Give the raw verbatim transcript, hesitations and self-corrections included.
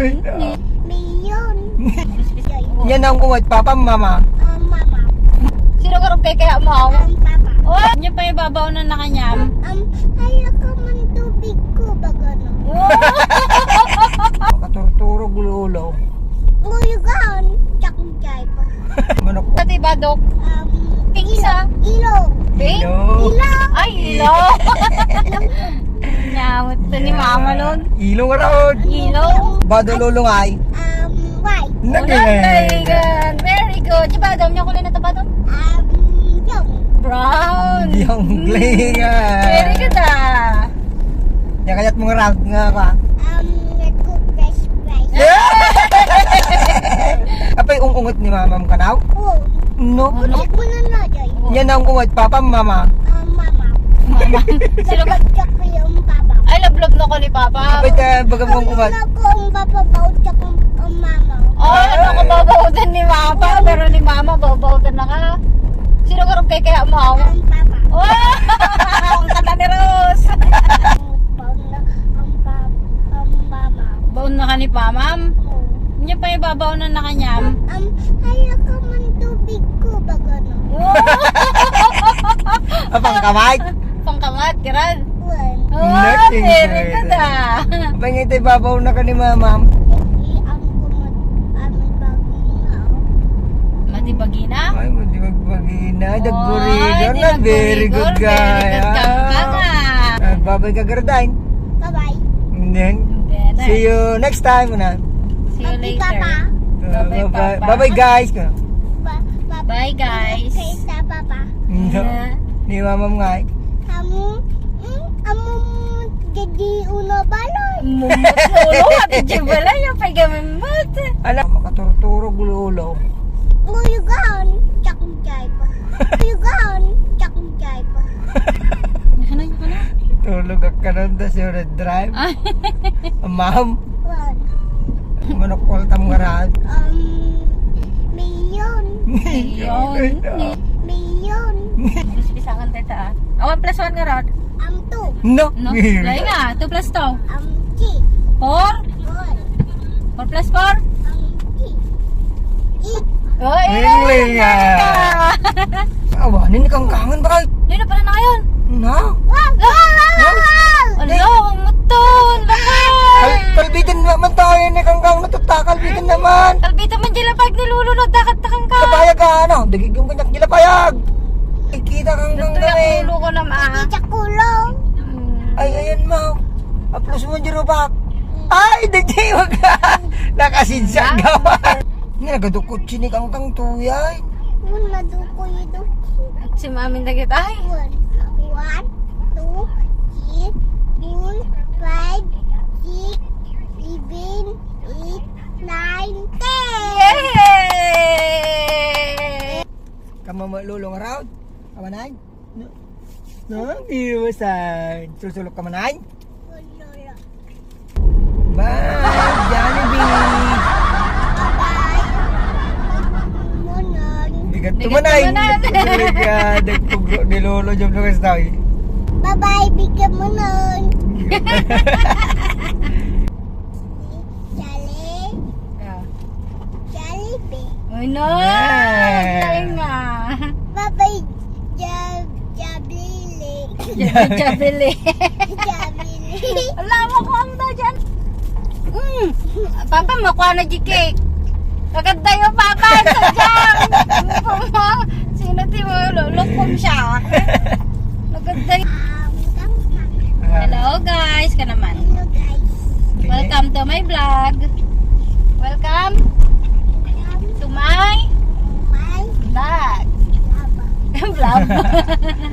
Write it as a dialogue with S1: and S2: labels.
S1: Million.
S2: Yan ang kuwat, papa, mama.
S1: Um, mama.
S3: Sino ka rin kaya mo?
S1: Um, papa.
S3: Oh, niya pa yung babaw na nakanyam.
S1: Um, ayaw ka man tubig ko ba gano'n?
S2: Makaturturo, gulo-ulo.
S1: Nguyugan. Tsakong jaiba.
S2: Manok.
S3: Pati badok.
S1: Um,
S3: Ping isa.
S1: ilog.
S3: Ping?
S2: Ilo.
S1: Ilog.
S3: Ay, ilo. Nyamot to ni mama nun.
S2: Ilong around.
S3: Ilo.
S2: Badululungay.
S1: Um, white.
S3: Very good. Very good. Di badom niya kulay na ito badom?
S1: Um, yung.
S3: Brown.
S2: Yung glingan.
S3: Very good ah.
S2: Yan kayat mong round nga ka.
S1: Um, nagko-fresh fries.
S2: Apay ungungot ni mamam ka now?
S1: Oh,
S2: No.
S1: ulit mo na na, Joy.
S2: Yan ang kuwat, papa, mama.
S1: Um, mama.
S3: Mama. Sino ka?
S1: Tsaka ko yung papa.
S3: Ay, love-love na ko ni Papa.
S2: Apay ta bagang mong kuwat.
S1: Ano ko ang papabaw tsaka ang mama.
S3: Oh, ano ko babawutan ni Mama. Pero ni Mama, babawutan na ka. Sino ka rin kaya mo?
S1: Ang papa.
S3: Oh, ang kata ni Rose.
S1: Ang na ang papa. Ang mama.
S3: Baon na ka ni Pamam.
S1: Oh.
S3: Niya pa yung babaw na nakanyam.
S1: Um, ayaw ka man tubig ko ba gano'n?
S2: Apang kamay.
S3: Pangkamat, kiran.
S1: Well,
S3: Oh,
S2: Nursing
S3: very
S2: girl.
S3: good ah.
S2: Apay nga ito'y babaw na ka ni mamam.
S1: hindi ang kumot aming baginaw.
S3: Matibagina?
S2: Ay, mo di magpagina.
S3: Oy,
S2: Dagburigan
S3: di
S2: na. Very good
S3: nagburigor,
S2: guy.
S3: Very good ka nga.
S2: Ah, babay ka gardain.
S1: Bye-bye.
S2: And then,
S3: Then,
S2: see you next time. Una.
S3: See you
S1: Bye,
S3: later.
S1: Papa.
S2: Uh,
S3: Bye-bye,
S2: bye
S3: Papa.
S2: bye guys.
S1: Ba ba
S3: Bye, guys.
S1: Kay sa papa.
S2: No. Ni mamam nga.
S1: Kamu, mm, kamu jadi una balay.
S3: Mumot lolo, ati jibala yung pagamimot.
S2: Ala, makaturturo, gulo-ulo.
S1: Nguyugan, tsakong jaiba. Nguyugan, tsakong jaiba.
S3: Ano yung ano?
S2: Tulog ka nun da si Red Drive.
S3: Ay,
S2: Ma'am,
S1: Well,
S2: manok tam garad.
S1: um, million.
S3: yun.
S1: Million.
S3: Pisangan tayo ta. Awan plus one nga rod.
S1: Am two.
S2: No.
S3: No? Lay nga, two plus two.
S1: Am three.
S3: Four?
S1: Four.
S3: Four plus four?
S1: Am three. Eight.
S3: Oh,
S2: Ingling nga. Awanin ni kang kangen ba kayo?
S3: Yun na pala na ngayon.
S2: Na?
S1: Wow! Wow! Wow! Wow!
S3: Ano, muton. Bakit?
S2: Kal kalbitin naman tayo ni kang kang natuta. Kalbitin naman.
S3: Kalbito man dila pag nilulunod. Dakat takang ka.
S2: Kapayag ka ano? Dagig yung kanyak nila payag. Ikita kang kang
S3: Ito
S2: gamin.
S3: yung lulo ko na ma.
S1: Sa kulong.
S2: Ay, ayan mo. Aplos mo dyan ba? Ay, dagay wag ka. Nakasidsa gawa. Nga, nagadukot sini kang kang tuyay.
S1: Muna duko ito.
S3: Si mamin dagit. Ay.
S1: One. One, two, three, four, five, six, seven, eight, nine, ten.
S3: Yay!
S2: Kamu lulong around? Kamanay? No? No? Di ba saan? Susulok kamanay?
S1: Lolo.
S2: Bye! Jollibee!
S1: Bye. Munon.
S2: Bigat
S3: Bigat
S2: tumanay!
S3: tumanan.
S2: Bigat nagpugro ni Lolo Jom Lucas daw eh.
S1: Bye-bye, bigyan mo nun. Jolly. Jollibee.
S3: Ay no!
S2: Yeah.
S3: Tayo nga.
S1: Bye-bye, Jab Jabili.
S3: Jabili.
S1: Jabili.
S3: Alam mo ko ang daw dyan. Mm. Papa, makuha na di cake. Kaganda yung papa. Sadyang. Sino ti mo? Lulukom siya. Maganda yung...
S1: Um, come, come.
S3: Hello guys, ka naman.
S1: Hello, guys.
S3: Welcome to my vlog. Welcome
S1: Come
S3: to my
S1: to my
S3: vlog.
S1: lava.
S3: Vlog.